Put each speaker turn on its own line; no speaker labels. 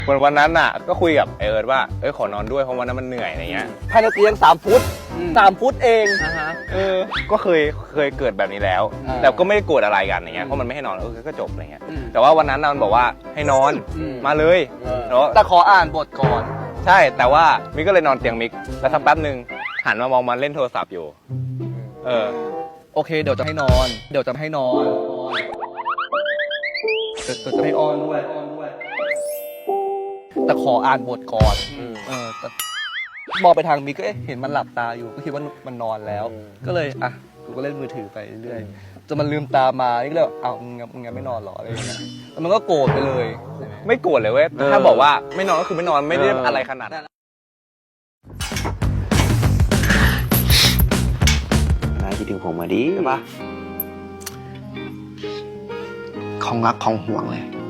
วันนั้นน่ะก็คุยกับไอเอิร์ธว่าขอนอนด้วยเพราะวันนั้นมันเหนื่อยอะไรเงี้ย
ภายในเตียง3 ฟุต3 ฟุตเอง
ก็เคยเกิดแบบนี้แล้ว แต่ก็ไม่ได้โกรธอะไรกันอย่างเงี้ยเพราะมันไม่ให้นอนก็จบอะไรเงี้ยแต่ว่าวันนั้นมันบอกว่าให้นอนมาเลย
แต่ขออ่านบทก่อน
ใช่แต่ว่ามิกก็เลยนอนเตียงมิกแล้วสักแป๊บนึงหันมามองมันเล่นโทรศัพท์อยู่
โอเคเดี๋ยวจะให้นอน เดี๋ยวจะให้นอนเดี๋ยวจะให้ออนด้วยแต่ขออ่านบทก่อนแต่มองไปทางมิกก็เห็นมันหลับตาอยู่ก็คิดว่ามันนอนแล้วก็เลยกูก็เล่นมือถือไปเรื่อยจนมันลืมตามานี่ก็เลยมึงยังไม่นอนหรออะไรอย่างเงี้ยแล้วมันก็โกรธไปเลย
ไม่โกรธเลยเว้ยถ้าบอกว่าไม่นอนก็คือไม่นอนไม่ได้อะไรขนาดนั้น
นายคิดถึงผมมาดิใช่ปะของรักของห่วงเลย